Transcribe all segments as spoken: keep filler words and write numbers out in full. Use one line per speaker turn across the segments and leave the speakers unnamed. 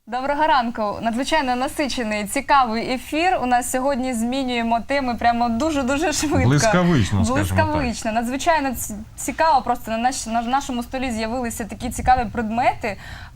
Доброго ранку. Надзвичайно насичений, цікавий ефір. У нас сьогодні змінюємо теми прямо дуже-дуже швидко.
Блискавично, скажімо
Блискавично. Надзвичайно цікаво. Просто на, наш, на нашому столі з'явилися такі цікаві предмети.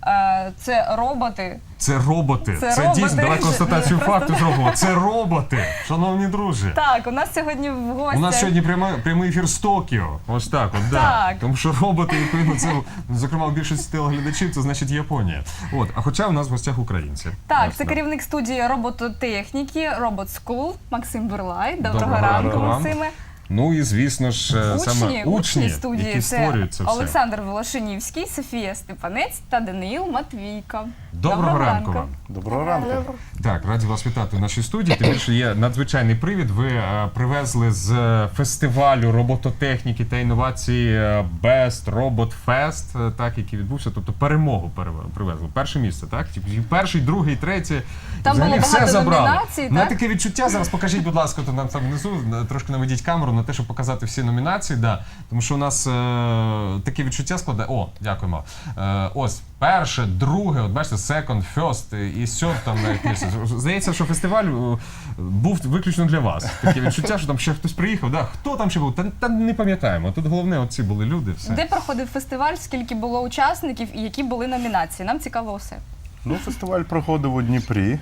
Це роботи.
Це роботи.
Це,
це
роботи.
дійсно, давай констатацію
Ні,
факту
просто...
зробимо. Це роботи, шановні друзі.
Так, у нас сьогодні в гостях...
У нас сьогодні прямо, прямий ефір з Токіо. Ось так, от, да.
Так.
Тому що роботи, відповідно, це, зокрема, у більшості телеглядачів, це значить Японія. От, а хоча у нас в гостях українці.
Так,
ось,
це
да.
керівник студії робототехніки Robot School Максим Бурлай. Доброго,
Доброго
ранку,
ранку вам.
Максиме.
Ну і, звісно ж,
Учні,
саме учні,
учні студії
які
це
створюють це все.
Олександр Волошинівський, Софія Степанець та Даниїл Матвійко.
Доброго, Доброго ранку вам.
Доброго ранку.
Так, раді вас вітати в нашій студії. Тим більше є надзвичайний привід. Ви е, привезли з е, фестивалю робототехніки та інновації е, Best Robot Fest, е, так, який відбувся, тобто перемогу перев- привезли. Перше місце, так? І перший, другий, третій.
Там
Взагалі
було
все
багато
забрали.
номінацій,
На
так?
таке відчуття, зараз покажіть, будь ласка, то нам там внизу, трошки наведіть камеру на те, щоб показати всі номінації. Да. Тому що у нас е, таке відчуття складає. О, дякуємо. Е, ось, перше, друге, от бачите, second, first і сьом там навіть місце. Здається, що фестиваль е, був виключно для вас. Таке відчуття, що там ще хтось приїхав. Да? Хто там ще був? Та, та не пам'ятаємо. Тут головне, оці були люди. Все.
Де проходив фестиваль, скільки було учасників і які були номінації? Нам цікаво все.
Ну, фестиваль проходив у Дніпрі,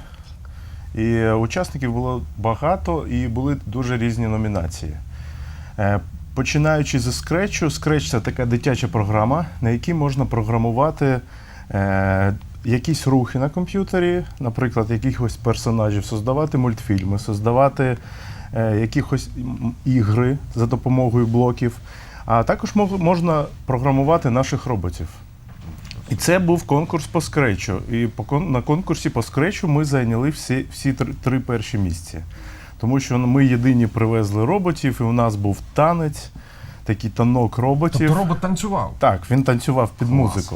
і учасників було багато, і були дуже різні номінації. Е, Починаючи зі скретчу, скретч – це така дитяча програма, на якій можна програмувати е, якісь рухи на комп'ютері, наприклад, якихось персонажів, создавати мультфільми, создавати е, якихось ігри за допомогою блоків, а також мог, можна програмувати наших роботів. І це був конкурс по скретчу. І по, на конкурсі по скретчу ми зайняли всі, всі три, три перші місця. Тому що ми єдині привезли роботів, і у нас був танець, такий танок роботів.
Тобто робот танцював?
Так, він танцював під
Клас.
музику.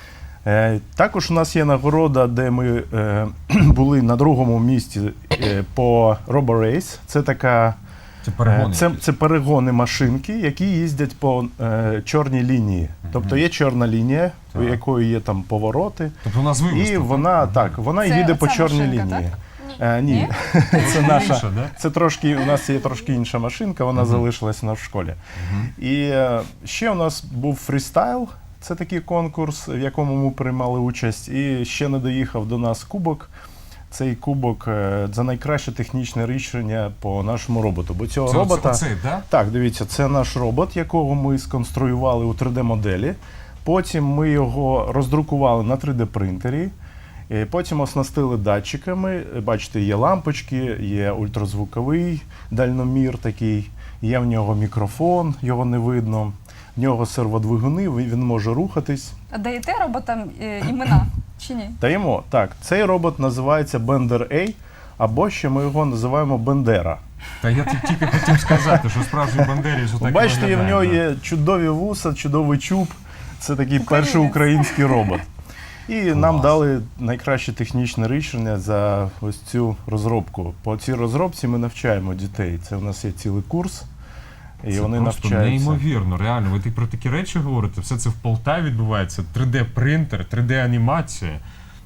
Е, також у нас є нагорода, де ми е, були на другому місці е, по RoboRace. Це така...
Це перегони.
Це, це перегони машинки, які їздять по е, чорній лінії. Mm-hmm. Тобто є чорна лінія,
так.
у якої є там повороти.
Тобто у нас вивіз.
І вона, так, вона
Це-
їде по
ця
чорній
машинка,
лінії.
так?
Е, ні,
Ні?
це наша.
Інша, да?
Це трошки, у нас є трошки інша машинка, вона
Мгм.
залишилась на в школі.
Мгм.
І е, ще у нас був фрістайл, це такий конкурс, в якому ми приймали участь. І ще не доїхав до нас кубок. Цей кубок е, за найкраще технічне рішення по нашому роботу. Бо цього
Це
робота.
оце- оцей, да?
Так, дивіться, це наш робот, якого ми сконструювали у три де-моделі. Потім ми його роздрукували на три де-принтері. І потім оснастили датчиками. Бачите, є лампочки, є ультразвуковий дальномір такий, є в нього мікрофон, його не видно. В нього серводвигуни, він може рухатись.
А даєте роботам е, імена чи ні?
Даємо. Так, цей робот називається Bender A, або ще ми його називаємо Бендера.
Та я тут тільки хотів сказати, що справжній бандері ж отак
Бачите,
і
в нього
виглядає,
є чудові вуса, чудовий чуб. Це такий
Українець.
перший український робот. І
Клас.
нам дали найкраще технічне рішення за ось цю розробку. По цій розробці ми навчаємо дітей. Це у нас є цілий курс, і
Це
вони
просто
навчаються.
неймовірно, реально. Ви так про такі речі говорите, все це в Полтаві відбувається, три де-принтер, три де-анімація. М,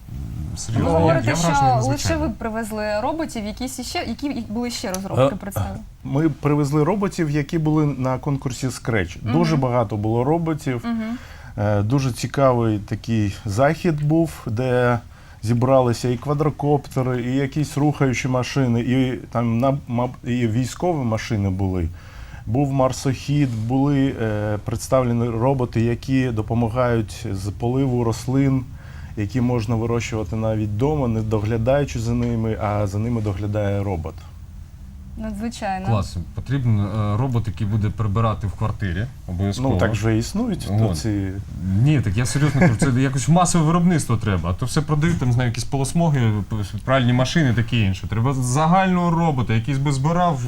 Ви
Серйозно, я,
говорите,
я вражений
що лише
надзвичайно.
ви привезли роботів, якісь іще, які були ще розробки
Е,
представлені?
Ми привезли роботів, які були на конкурсі Scratch. Дуже багато було роботів.
Мгм.
Е, Дуже цікавий такий захід був, де зібралися і квадрокоптери, і якісь рухаючі машини, і там на- маб- і військові машини були. Був марсохід, були е, представлені роботи, які допомагають з поливу рослин, які можна вирощувати навіть вдома, не доглядаючи за ними, а за ними доглядає робот.
Надзвичайно.
Клас. Потрібен е, робот, який буде прибирати в квартирі, обов'язково.
Ну так вже існують.
Вон.
То ці...
Ні, так я серйозно кажу, це якось масове виробництво треба, а то все продають, там, знаю, якісь полосмоги, пральні машини, таке інше. Треба загального робота, який би збирав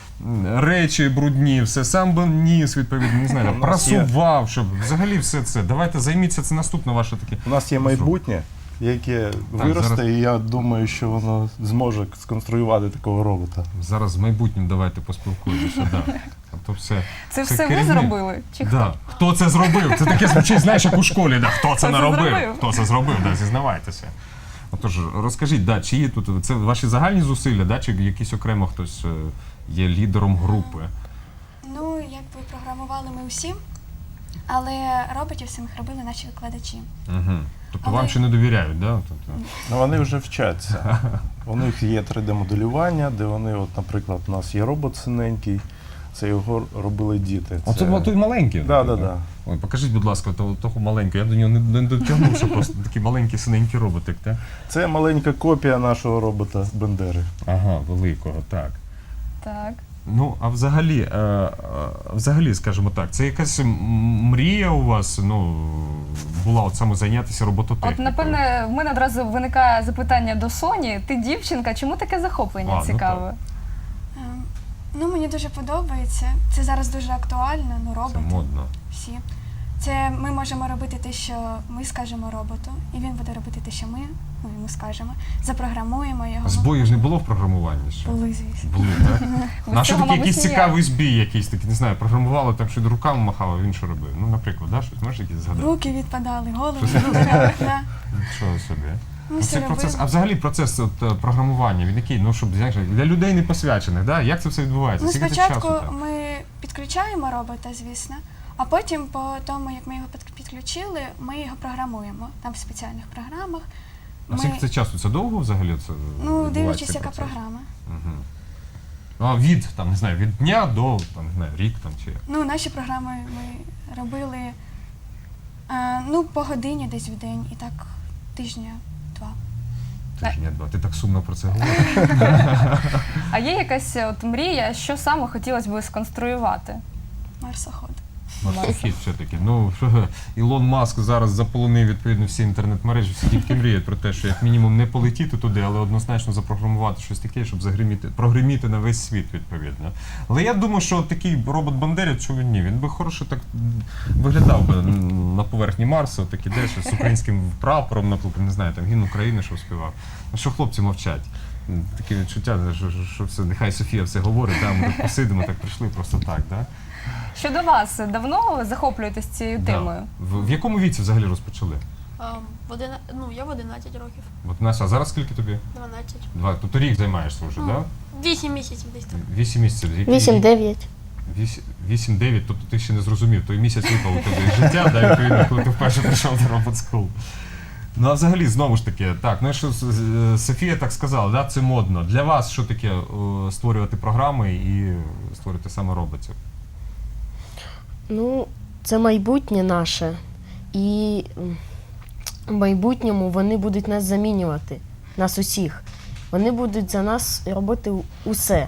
м, речі брудні, все, сам би ніс, відповідно, не знаю,
У нас є-
прасував, щоб взагалі все це. Давайте займіться, це наступне ваше таке.
У нас є майбутнє, яке виросте,
зараз-
і я думаю, що воно зможе сконструювати такого робота.
Зараз з майбутнім давайте поспілкуємося, да. А то все,
Це все ви
керівник.
зробили? Чи хто?
Да. Хто це зробив? Це таке звучить, знаєш, як у школі, да. Хто це
Хто це
наробив?
зробив?
Хто це зробив, да, зізнавайтеся. Отож, розкажіть, да, чи є тут це ваші загальні зусилля, да, чи якийсь окремо хтось е, є лідером групи?
Ну, якби програмували ми усі, але роботів самих робили наші викладачі.
Угу. Тобто
Але-
вам ще не довіряють, да? Тобто,
Ну, вони вже вчаться. У них є три Д-моделювання, де вони, от, наприклад, у нас є робот синенький, це його робили діти.
Оце це... той маленький?
Да,
так?
да, да.
Ой, покажіть, будь ласка, того, того маленького. Я до нього не, не дотягнув, що просто такий маленький синенький роботик, так?
Це маленька копія нашого робота Бендери.
Ага, великого, так.
Так.
Ну, а взагалі, е, е, взагалі, скажімо так, це якась м- мрія у вас, ну, була от саме зайнятися
От,
робототехнікою?
напевне, в мене одразу виникає запитання до Соні. Ти дівчинка, чому таке захоплення
А, ну
цікаве?
Ем, Ну, мені дуже подобається. Це зараз дуже актуально, ну,
Це
роботи
модно.
всі. Це ми можемо робити те, що ми скажемо роботу, і він буде робити те, що ми ну, йому скажемо. Запрограмуємо його.
Збоїв ж не було в програмуванні ще?
Були, звісно.
Були, так?
Без
А що
цього,
такий
мабуть,
якийсь
ніяк.
цікавий збій, якийсь такий, не знаю, програмували, там що руками махав, а він що робив? Ну, наприклад, да, щось можеш якісь згадати?
Руки відпадали, голови відпадали. Да.
Нічого собі.
Ми
Ну,
все
Цей процес, а
робили.
взагалі процес от, е, програмування, він який, ну, щоб знаєш, для людей не посвячених, да? Як це все відбувається?
Ну,
Скільки це
спочатку
часу там?
ми підключаємо робота, звісно, а потім, по тому, як ми його під- підключили, ми його програмуємо. Там в спеціальних програмах.
А скільки це часу? Це довго взагалі? Це
Ну,
відбувається
дивлячись,
цей
яка
процес?
програма.
Угу. А від, там, не знаю, від дня до, там, не знаю, рік там чи як?
Ну, наші програми ми робили е, ну, по годині десь в день і так тижня-два.
Тижня два. Ти так сумно про це говориш.
А є якась от мрія, що саме хотілося б сконструювати?
Марсоход.
Марсохід все-таки. Ну, Ілон Маск зараз заполонив відповідно всі інтернет-мережі, всі тільки мріють про те, що як мінімум не полетіти туди, але однозначно запрограмувати щось таке, щоб загриміти, прогриміти на весь світ відповідно. Але я думаю, що такий робот Бандерівець, чого ні, він би хороше так виглядав би на поверхні Марсу, так іде, що з українським прапором, наприклад, не знаю, там гімн України, що співав. А що хлопці мовчать? Таке відчуття, що, що, що все, нехай Софія все говорить, да, ми тут посидимо, так прийшли просто так, да?
Щодо вас, давно захоплюєтесь цією темою?
Да. В, в якому віці взагалі розпочали?
Ем, в одина... Ну, я в одинадцять років,
От Настя, а зараз скільки тобі?
дванадцять.
Два. Тобто рік займаєшся вже,
Ну,
так?
вісім місяців десь так.
Да? Вісім місяців. Які-
вісім-дев'ять.
вісім- Вісім-дев'ять, тобто ти ще не зрозумів, той місяць випав у тебе із життя, да, відповідно, коли ти вперше прийшов до Robot School. Ну, а взагалі, знову ж таки, так, ну, що с- з- Софія так сказала, да, це модно. Для вас що таке о, створювати програми і створювати саме роботів?
Ну, це майбутнє наше. І м, в майбутньому вони будуть нас замінювати, нас усіх. Вони будуть за нас робити усе.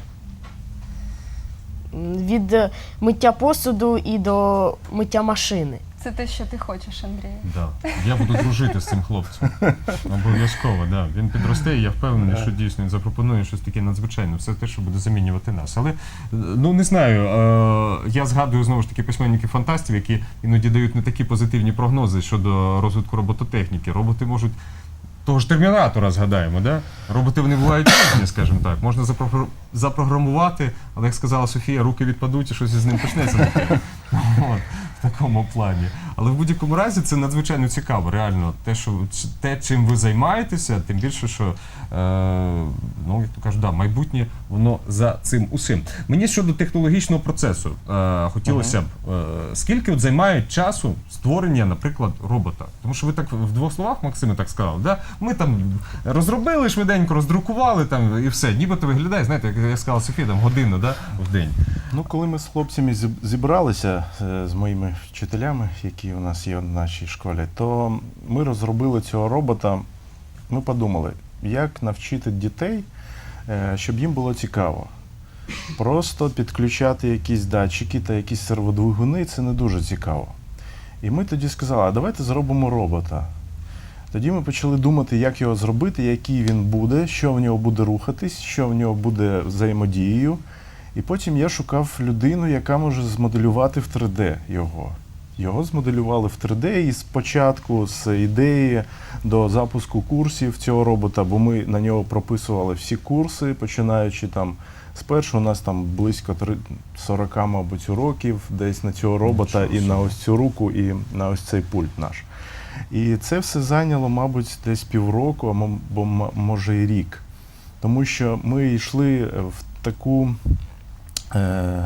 М, Від е, миття посуду і до миття машини.
Це те, що ти хочеш, Андрій.
Да. Я буду дружити з цим хлопцем. Обов'язково, да. Він підросте, і я впевнений, що дійсно він запропонує щось таке надзвичайне. Все те, що буде замінювати нас. Але, е, ну не знаю, е, я згадую знову ж таки письменників-фантастів, які іноді дають не такі позитивні прогнози щодо розвитку робототехніки. Роботи можуть. Того ж термінатора згадаємо, да? Роботи вони бувають різні, скажімо так. Можна запро- запрограмувати, але як сказала Софія, руки відпадуть і щось із ним почнеться таке. От, в такому плані. Але в будь-якому разі це надзвичайно цікаво, реально. Те, що, те чим ви займаєтеся, тим більше, що, е, ну, як то кажуть, да, майбутнє, воно за цим усім. Мені щодо технологічного процесу е, хотілося б, е, скільки от займає часу створення, наприклад, робота? Тому що ви так в двох словах, Максиме, так сказали, да? Ми там розробили швиденько, роздрукували там і все. Нібито виглядає, знаєте, як я сказала Софія, там годину, да, в день.
Ну, коли ми з хлопцями зіб- зібралися е, з моїми вчителями, які у нас є в нашій школі, то ми розробили цього робота. Ми подумали, як навчити дітей, е, щоб їм було цікаво. Просто підключати якісь датчики та якісь серводвигуни – це не дуже цікаво. І ми тоді сказали, а давайте зробимо робота. Тоді ми почали думати, як його зробити, який він буде, що в нього буде рухатись, що в нього буде взаємодією. І потім я шукав людину, яка може змоделювати в три де його. Його змоделювали в три де і спочатку з ідеї до запуску курсів цього робота, бо ми на нього прописували всі курси, починаючи там спершу у нас там близько три- сорок, мабуть, уроків десь на цього робота і на ось цю руку, і на ось цей пульт наш. І це все зайняло, мабуть, десь півроку, або м- може і рік. Тому що ми йшли в таку, е,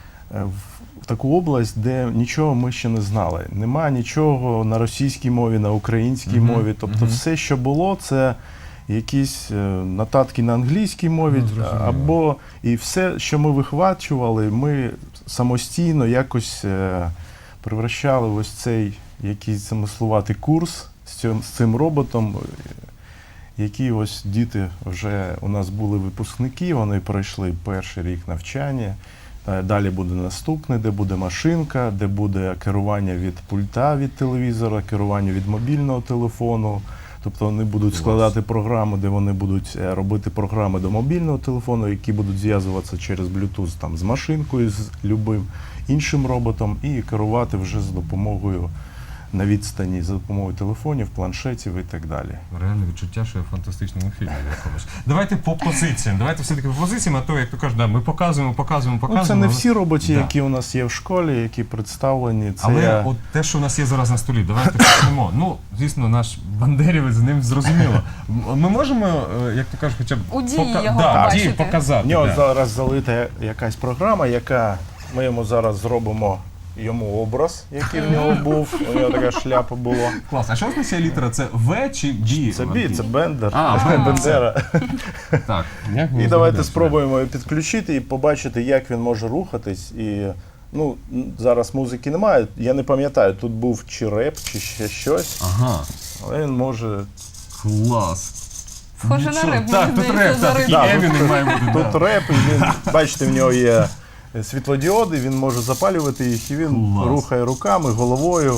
в таку область, де нічого ми ще не знали. Нема нічого на російській мові, на українській
Мгм,
мові. Тобто
мгм.
все, що було, це якісь е, нотатки на англійській мові,
Ну, зрозуміло.
або і все, що ми вихвачували, ми самостійно якось е, превращали в ось цей якийсь замислуватий курс з цим, з цим роботом, е, які ось діти вже у нас були випускники, вони пройшли перший рік навчання. Е, Далі буде наступний, де буде машинка, де буде керування від пульта від телевізора, керування від мобільного телефону. Тобто вони будуть складати програми, де вони будуть е, робити програми до мобільного телефону, які будуть зв'язуватися через Bluetooth там, з машинкою, з любим іншим роботом, і керувати вже за допомогою на відстані, за допомогою телефонів, планшетів і так далі.
Реальне відчуття, що я в фантастичному фільмі якомусь. Давайте по позиціям. Давайте все-таки по позиціям, а то, як то кажуть, да, ми показуємо, показуємо,
Ну,
показуємо.
це не
але-
всі роботи,
Да.
які у нас є в школі, які представлені. Це
Але
я...
от те, що у нас є зараз на столі, давайте почнемо. Ну, звісно, наш бандерівець, з ним зрозуміло. М- Ми можемо, е, як то кажуть, хоча б
У дії його
да,
побачити.
дії показати.
В нього
да.
зараз залита якась програма, яка ми йому зараз зробимо йому образ, який в нього був. У нього така шляпа була.
Клас. А що означає літера? Це В чи Б?
Це бі, це Бендер,
А,
Бендера.
Так. Як ми
І давайте
зробимо?
спробуємо його підключити і побачити, як він може рухатись. І ну, н- зараз музики немає. Я не пам'ятаю, тут був чи реп, чи ще щось,
Ага.
але він може.
Клас.
Схоже на
Нічого.
реп, мені
Так, тут
здається,
реп, так, такий
Да,
Емінем
тут-
має бути.
Тут
да.
реп, і він, бачите, в нього є світлодіоди, він може запалювати їх, і він
Клас.
рухає руками, головою.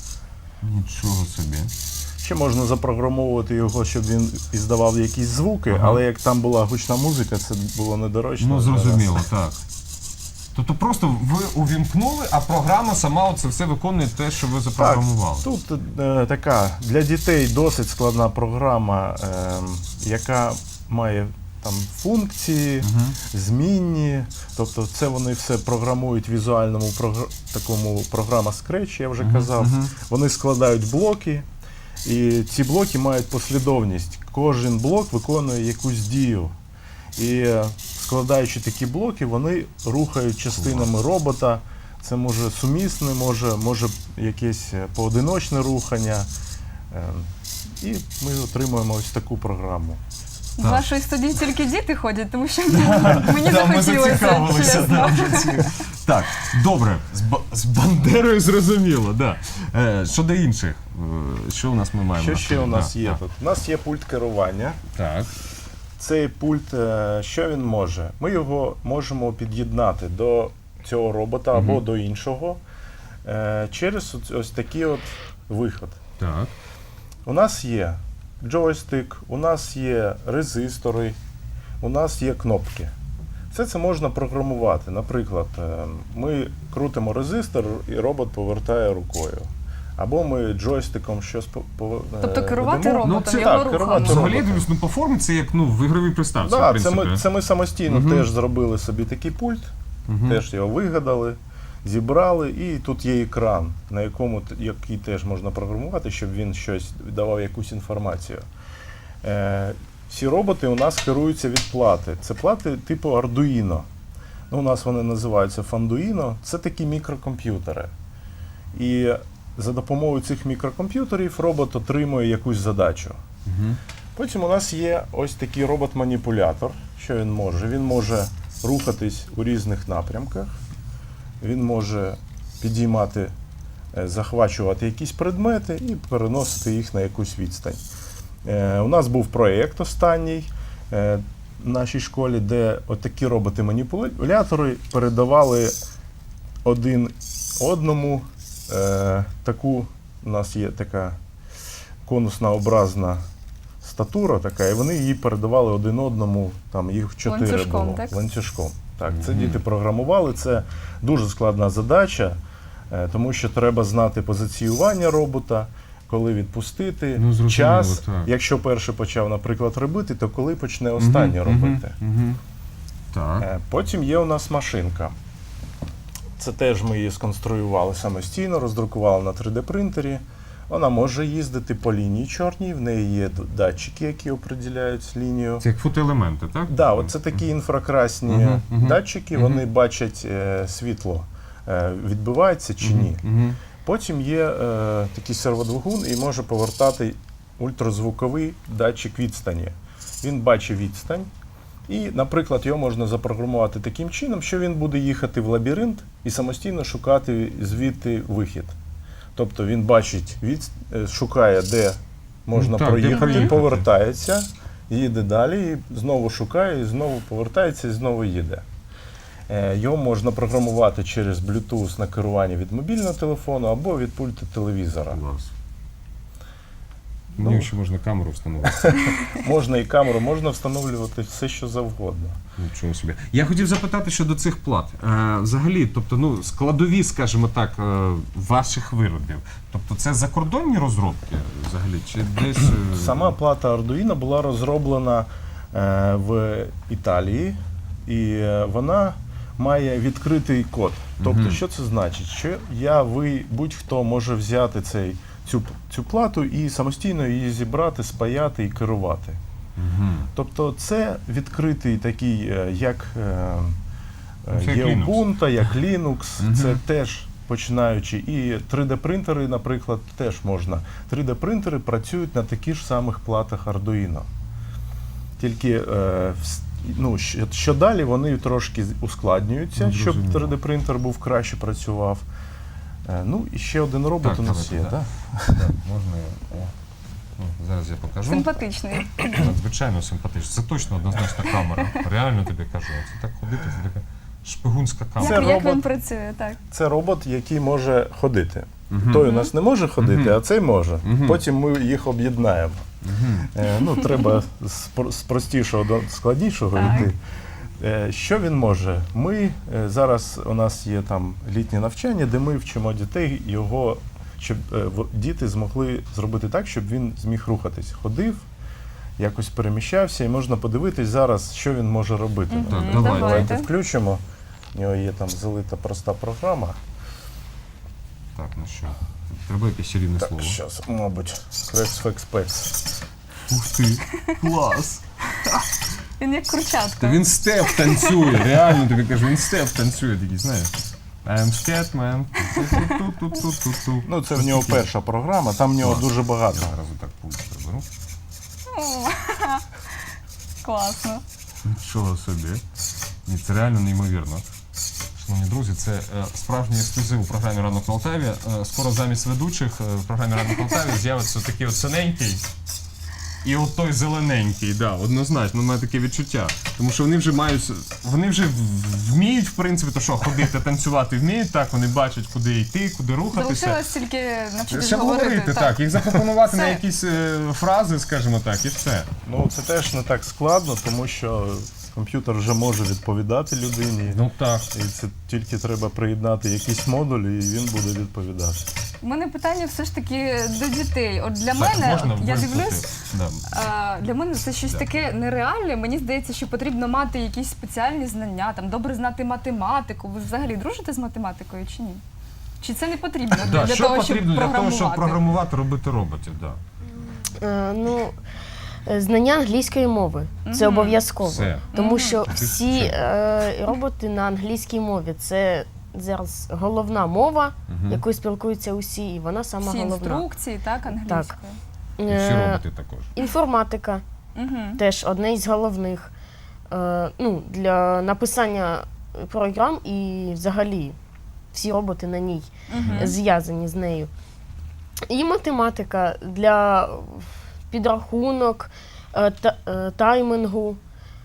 Нічого собі.
Ще можна запрограмовувати його, щоб він іздавав якісь звуки,
Ага.
але як там була гучна музика, це було недоречно.
Ну,
для нас.
зрозуміло, так. Тобто просто ви увімкнули, а програма сама це все виконує те, що ви запрограмували.
Тут е, така для дітей досить складна програма, е, яка має там функції,
Мгм.
змінні. Тобто це вони все програмують в візуальному прогр... такому програма Scratch, я вже
Мгм,
казав.
мгм.
Вони складають блоки, і ці блоки мають послідовність. Кожен блок виконує якусь дію. І е, складаючи такі блоки, вони рухають частинами робота. Це може сумісне, може, може якесь е, поодиночне рухання. Е, І ми отримуємо ось таку програму.
В
Так.
вашої студії тільки діти ходять, тому що мені
Да, ми
захотілося,
зацікавилися.
чесно.
Да, вже ці- Так, добре, з, Ба- з Бандерою зрозуміло, да. Е, щодо інших, е, що у нас ми маємо?
Що
на
ще
столі?
у нас
Да,
є
да.
тут? У нас є пульт керування.
Так.
Цей пульт, е, що він може? Ми його можемо під'єднати до цього робота або
Мгм.
до іншого е, через ось- ось такий от виход.
Так.
У нас є джойстик, у нас є резистори, у нас є кнопки. Все це можна програмувати. Наприклад, е, ми крутимо резистор і робот повертає рукою. Або ми джойстиком щось по- по-
Тобто
е,
керувати
ведемо.
роботом,
Ну, це
його
так,
рухом.
керувати
Взагалі, я
роботом.
дивлюсь, ну по формі це як ну, в ігровій приставці, в
Так, це
принципі.
ми, це ми самостійно
Мгм.
теж зробили собі такий пульт,
Мгм.
теж його вигадали, зібрали, і тут є екран, на якому т- який теж можна програмувати, щоб він щось давав якусь інформацію. Е, всі роботи у нас керуються від плати. Це плати типу Arduino. Ну, у нас вони називаються Fanduino. Це такі мікрокомп'ютери. І за допомогою цих мікрокомп'ютерів робот отримує якусь задачу.
Мгм.
Потім у нас є ось такий робот-маніпулятор. Що він може? Він може рухатись у різних напрямках, він може підіймати, е, захвачувати якісь предмети і переносити їх на якусь відстань. Е, У нас був проєкт останній е, в нашій школі, де отакі роботи-маніпулятори передавали один одному е, таку, у нас є така конуснообразна статура така, і вони її передавали один одному, там їх чотири
Ланцюжком,
було.
так?
Ланцюжком. Так, це
Мгм.
діти програмували, це дуже складна задача, е, тому що треба знати позиціювання робота, коли відпустити,
Ну, зрозуміло,
час.
так.
Якщо перший почав, наприклад, робити, то коли почне останнє
Мгм,
робити.
мгм, мгм. Так.
Е, Потім є у нас машинка. Це теж ми її сконструювали самостійно, роздрукували на три де принтері. Вона може їздити по лінії чорній, в неї є д- датчики, які определяють лінію.
Це як фотоелементи, так?
Да, от це такі інфракрасні
Мгм, мгм,
датчики,
мгм.
вони бачать е, світло, е, відбивається чи ні.
Угу.
Потім є е, такий серводвигун і може повертати ультразвуковий датчик відстані. Він бачить відстань, і, наприклад, його можна запрограмувати таким чином, що він буде їхати в лабіринт і самостійно шукати звідти вихід. Тобто він бачить, від, е, шукає, де можна
Ну, так, де
проїхати,
проїхати.
повертається, їде далі, і знову шукає, і знову повертається, і знову їде. Е, Його можна програмувати через Bluetooth на керування від мобільного телефону або від пульту телевізора.
Клас.
Ну.
Мені ще можна камеру встановити.
Можна і камеру, можна встановлювати все, що завгодно.
Нічого собі. Я хотів запитати щодо цих плат. Е, взагалі, тобто, ну, складові, скажімо так, е, ваших виробів. Тобто це закордонні розробки взагалі? Чи десь. е,
Сама плата Arduino була розроблена е, в Італії, і е, вона має відкритий код. Тобто,
Мгм.
що це значить? Що я, ви, будь-хто може взяти цей, цю, цю плату і самостійно її зібрати, спаяти і керувати.
Мгм.
Тобто це відкритий такий, е, як е, е,
Ну, це як
є
Linux.
Ubuntu, як Linux,
Мгм.
це теж починаючи. І три Д-принтери, наприклад, теж можна. три Д-принтери працюють на таких ж самих платах Arduino. Тільки е, вс- ну, що, що далі вони трошки ускладнюються,
Ну,
щоб
зрозуміло.
три Д-принтер був краще працював. Е, ну і ще один робот
Так,
у нас
давайте,
є,
да.
так?
Так, можна. О. Ну, зараз я покажу.
Симпатичний.
Надзвичайно симпатично. Це точно однозначна камера. Реально тобі кажу. Це так ходити, це така шпигунська камера.
Це
Як, як він
робот.
працює, так.
Це робот, який може ходити.
Мгм.
Той у нас не може ходити,
Мгм.
а цей може.
Мгм.
Потім ми їх об'єднаємо.
Мгм.
Е, ну, треба з, про- з простішого до складнішого
Так.
йти. Е, що він може? Ми е, зараз у нас є там літнє навчання, де ми вчимо дітей його, щоб е, в- діти змогли зробити так, щоб він зміг рухатись. Ходив, якось переміщався, і можна подивитись зараз, що він може робити.
Мгм,
Так,
Наприклад,
давайте.
давайте включимо. У нього є там залита проста програма.
Так, ну що? Треба якесь чарівне
Так,
слово.
зараз, мабуть, Крекс-фекс-пекс.
Ух ти, клас!
Він як курчатка.
Та він степ танцює, реально тобі кажу, він степ танцює такий, знаєш. I'm scared, man. Ту-ту-ту-ту-ту-ту.
Ну, це в нього перша програма, там в нього
Клас.
дуже багато.
Я зараз отак пульт приберу.
О, класно.
Нічого собі. Ні, це реально неймовірно. Шановні друзі, це е, справжній ексклюзив у програмі «Ранок на Алтаві». Е, скоро замість ведучих е, в програмі «Ранок на Алтаві» з'явиться такий от синенький і от той зелененький, да, однозначно, має таке відчуття. Тому що вони вже мають, вони вже в- вміють, в принципі, то що, ходити, танцювати вміють, так, вони бачать, куди йти, куди рухатися.
Залишилось тільки навчитися
Ще
говорити.
говорити, так, їх запропонувати на
Все.
якісь е, фрази, скажімо так, і все.
Ну, це теж не так складно, тому що комп'ютер вже може відповідати людині.
Ну так.
І це тільки треба приєднати якийсь модуль, і він буде відповідати.
У мене питання все ж таки до дітей. От для
Так,
мене,
можна
от я
вимкнути?
дивлюсь,
Да.
а, для мене це щось
Да.
таке нереальне. Мені здається, що потрібно мати якісь спеціальні знання, там добре знати математику. Ви взагалі дружите з математикою чи ні? Чи це не потрібно
Да,
для
що
того,
потрібно
щоб
для того,
програмувати?
щоб програмувати, робити роботів? Да.
Е, ну, е, знання англійської мови це
Мгм.
обов'язково.
Все.
Тому
Мгм.
що
Ти
всі
що?
е, роботи на англійській мові це зараз головна мова,
Мгм.
якою спілкуються усі, і вона сама
Всі
головна.
інструкції, так, англійською.
І всі
Е,
роботи також.
інформатика
Угу.
теж одне із головних. Е, ну, для написання програм і взагалі всі роботи на ній
Угу.
зв'язані з нею. І математика для підрахунок, е, та, е, таймінгу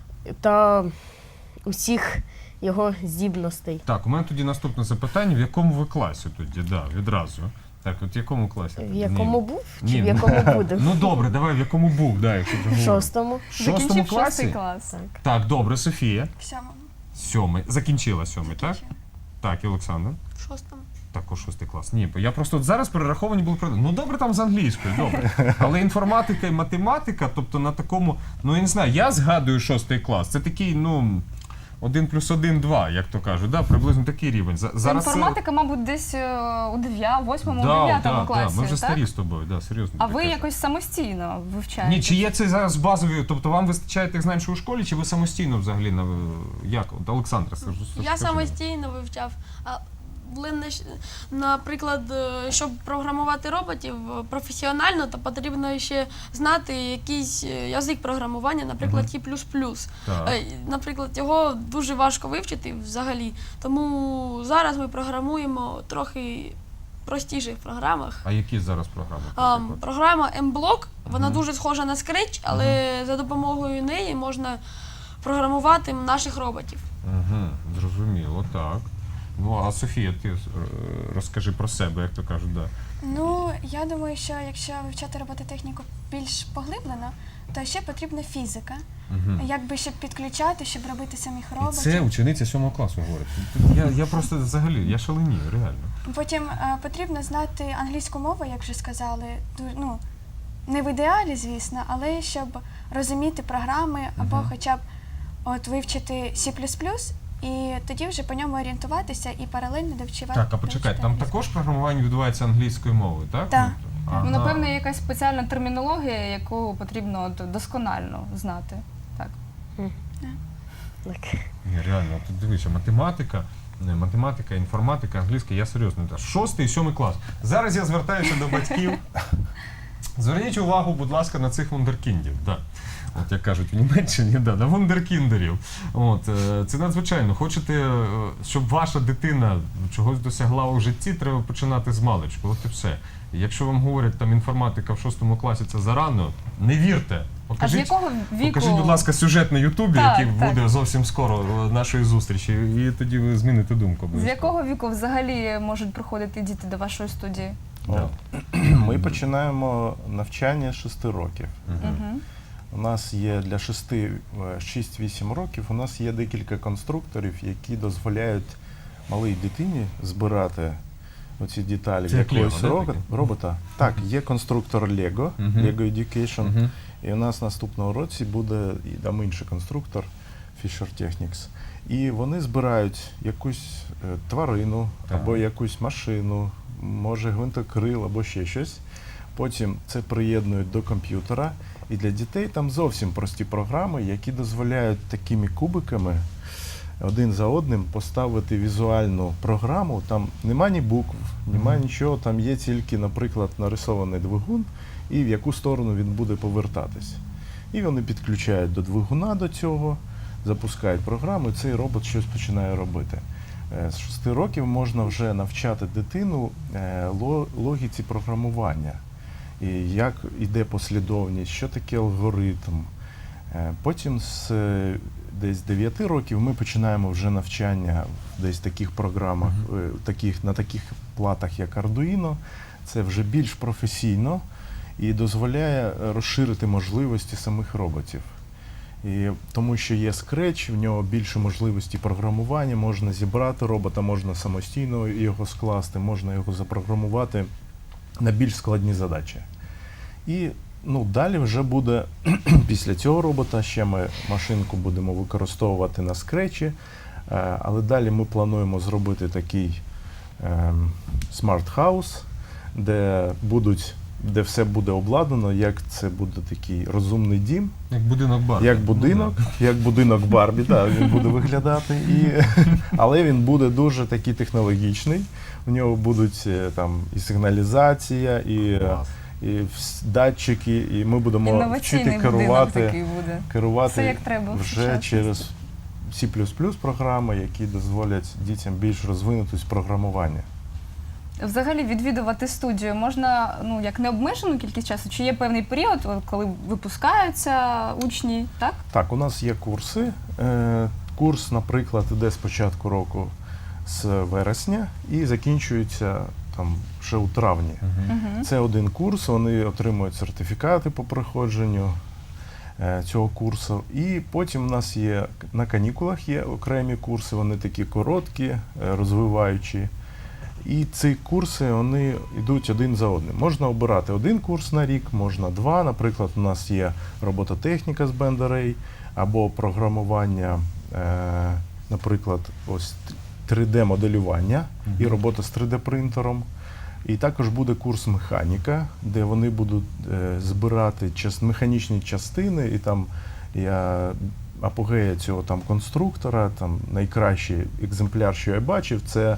та усіх його здібностей.
Так, у мене тоді наступне запитання. В якому ви класі тоді? Да, відразу. Так, от в якому класі?
В
тоді?
якому
Ні.
був
Ні,
чи в
ну,
якому буде?
Ну добре, давай в якому був, да, якщо вже
В
говоримо.
шостому.
В шостому
Закінчив
класі?
шостий клас.
Так.
Так, добре, Софія.
В сьомому.
Сьомий. Закінчила сьомий, так?
Закінчила.
Так, і Олександр.
В шостому.
Також шостий клас. Ні, бо я просто от зараз перераховані були про. Ну добре, там з англійською, добре. Але інформатика і математика, тобто на такому, ну я не знаю, я згадую шостий клас. Це такий, ну. один плюс один два, як то кажуть. Да, приблизно такий рівень. За- Зараз це-
Інформатика, мабуть, десь е, у дев'ятому, восьмому,
Да,
дев'ятому
да,
класі,
да, ми вже
так?
старі з тобою, да, серйозно.
А
таке
ви
кажу.
якось самостійно вивчаєте?
Ні, чи є це зараз базові, тобто вам вистачає тих знань, що у школі, чи ви самостійно взагалі, на- як? От, Олександра, скажу.
Я самостійно вивчав. А були нещ- наприклад, е, щоб програмувати роботів е, професіонально, то потрібно ще знати якийсь е, язик програмування, наприклад, Ті плюс плюс.
Так.
Е, Наприклад, його дуже важко вивчити взагалі. Тому зараз ми програмуємо трохи в простіших програмах.
А які зараз програми?
А,
наприклад?
програма M-Block, вона
Мгм.
дуже схожа на Scratch, але за допомогою неї можна програмувати наших роботів.
Угу, зрозуміло, так. Ну, а Софія, ти е, розкажи про себе, як то кажуть, да.
Ну, я думаю, що якщо вивчати робототехніку більш поглиблено, то ще потрібна фізика.
Угу.
Якби щоб підключати, щоб робити самих
І
роботів.
це учениця сьомого класу говорить. Тут Я, я просто взагалі, я шаленію, реально.
Потім е, потрібно знати англійську мову, як вже сказали. Ду- Ну, не в ідеалі, звісно, але щоб розуміти програми або
Мгм.
хоча б от вивчити Сі плюс плюс, і тоді вже по ньому орієнтуватися і паралельно довчувати.
Так, а почекай, там
довчити
також програмування відбувається англійською мовою, так?
Так.
Ага.
Ну, напевно, є якась спеціальна термінологія, яку потрібно от досконально знати. Так.
Так.
Ні, реально, тут дивися, математика, не, математика, інформатика, англійська, я серйозно. та, Шостий і сьомий клас. Зараз я звертаюся до батьків. Зверніть увагу, будь ласка, на цих вундеркіндів. Да. От як кажуть в Німеччині, да, на вундеркіндерів. От, е, це надзвичайно. Хочете, е, щоб ваша дитина чогось досягла у житті, треба починати з маличку. От і все. І якщо вам говорять, там інформатика в шостому класі це зарано, не вірте.
А з
Покажіть,
якого віку?
покажіть, будь ласка, сюжет на Ютубі,
Так,
який
так.
буде зовсім скоро е, нашої зустрічі, і тоді ви зміните думку.
З
обов'язково.
якого віку взагалі можуть приходити діти до вашої студії?
Да.
Ми починаємо навчання з шести років.
Мгм.
Угу.
У нас є для шести-вісім років, у нас є декілька конструкторів, які дозволяють малій дитині збирати оці деталі
Це як
якогось
Lego, да,
ро-
таке?
робота. Так, є конструктор Lego,
Мгм.
Lego Education,
Мгм.
і у нас наступного році буде і там інший конструктор Fisher Technics. І вони збирають якусь е, тварину
Так.
або якусь машину, може гвинтокрил або ще щось. Потім це приєднують до комп'ютера. І для дітей там зовсім прості програми, які дозволяють такими кубиками один за одним поставити візуальну програму. Там нема ні букв, нема
Мгм.
нічого, там є тільки, наприклад, нарисований двигун і в яку сторону він буде повертатись. І вони підключають до двигуна до цього, запускають програму, і цей робот щось починає робити. Е, З шести років можна вже навчати дитину е, ло- логіці програмування. І як іде послідовність, що таке алгоритм. Е, Потім з е, десь дев'яти років ми починаємо вже навчання в десь таких програмах, е, таких, на таких платах, як Arduino. Це вже більш професійно і дозволяє е, розширити можливості самих роботів. І тому що є Scratch, в нього більше можливості програмування, можна зібрати робота, можна самостійно його скласти, можна його запрограмувати на більш складні задачі. І ну, далі вже буде, після цього робота, ще ми машинку будемо використовувати на скретчі, е, але далі ми плануємо зробити такий ем, смарт-хаус, де будуть, де все буде обладнано, як це буде такий розумний дім,
Як будинок Барбі.
як будинок,
Ну,
як будинок Барбі, да, він буде виглядати. І, але він буде дуже такий технологічний. У нього будуть е, там і сигналізація, і, е,
Клас.
і вс- датчики, і ми будемо
Інноваційний
вчити
будинок
керувати,
такий буде. Все
керувати
як треба в
вже
сучасності.
через Сі плюс плюс програми, які дозволять дітям більш розвинутись в програмуванні.
Взагалі відвідувати студію можна ну як необмежену кількість часу, чи є певний період, от, коли випускаються учні, так?
Так, у нас є курси. Е, Курс, наприклад, іде з початку року з вересня і закінчується там ще у травні.
Мгм.
Угу.
Це один курс, вони отримують сертифікати по проходженню е, цього курсу. І потім у нас є на канікулах є окремі курси, вони такі короткі, е, розвиваючі. І ці курси вони йдуть один за одним. Можна обирати один курс на рік, можна два. Наприклад, у нас є робототехніка з Bend Array або програмування е, наприклад, ось три де-моделювання і робота з три де-принтером. І також буде курс механіка, де вони будуть е, збирати час, механічні частини, і там я апогея цього там конструктора, там найкращий екземпляр, що я бачив, це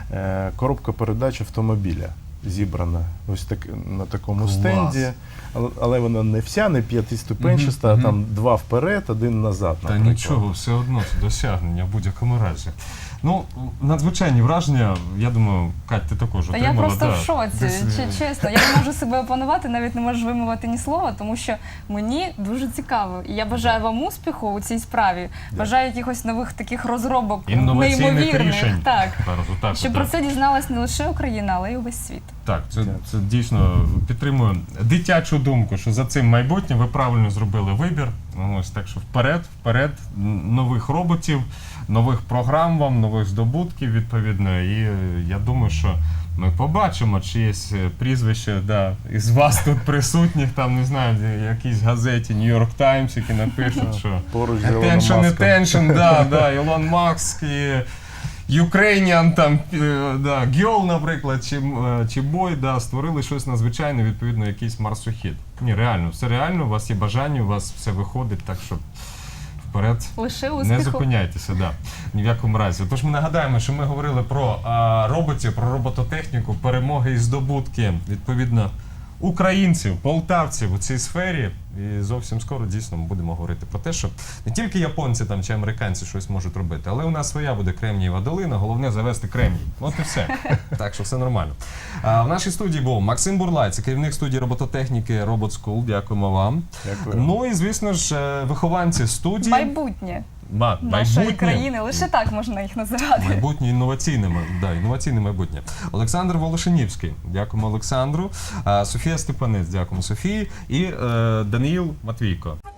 е, коробка передач автомобіля зібрана ось так на такому
Клас.
стенді, але, але вона не вся, не п'ятиступенчаста,
Мгм,
а там
мгм.
два вперед, один назад.
Та
наприклад.
нічого, все одно це досягнення в будь-якому разі. Ну, надзвичайні враження, я думаю, Кать, ти також
Та я
отримала.
просто
да.
в шоці,
Десь,
чи- чесно. Я не можу себе опанувати, навіть не можу вимовити ні слова, тому що мені дуже цікаво. І я бажаю вам успіху у цій справі. Бажаю якихось нових таких розробок,
Інноваційних
неймовірних.
рішень.
Так.
Зараз отак,
Щоб
отак.
про це дізналась не лише Україна, але й увесь світ.
Так, це, це дійсно підтримує дитячу думку, що за цим майбутнє ви правильно зробили вибір. Ось так що вперед, вперед, н- нових роботів, нових програм вам, нових здобутків відповідно. І е, я думаю, що ми побачимо чиєсь е, прізвище да, із вас тут присутніх, там не знаю, в якійсь газеті New York Times, які напишуть, що
Поруч з Ілоном
attention,
Маском.
attention, да, да, Ілон Маск і Ukrainian, там, е, да, Girl, наприклад, чи, е, чи Boy, да, створили щось надзвичайне, відповідно, якийсь марсохід. Ні, реально, все реально, у вас є бажання, у вас все виходить, так що вперед.
Лише
Не
успіху.
зупиняйтеся, да, ні в якому разі. Тож ми нагадаємо, що ми говорили про а, роботів, про робототехніку, перемоги і здобутки, відповідно, українців, полтавців у цій сфері. І зовсім скоро дійсно ми будемо говорити про те, що не тільки японці там чи американці щось можуть робити, але у нас своя буде Кремнієва долина, головне завести кремній. От і все. Так що все нормально. А, в нашій студії був Максим Бурлай, це керівник студії робототехніки Robot School. Дякуємо вам.
Дякую.
Ну і звісно ж, е, вихованці студії.
Майбутнє
Ма-
нашої
майбутнє.
країни. Лише так можна їх називати.
Майбутнє інноваційне, ма- да, інноваційне майбутнє. Олександр Волошинівський, дякуємо Олександру. А, Софія Степанець, дякуємо Софії. І е, Даниїл Матвійко.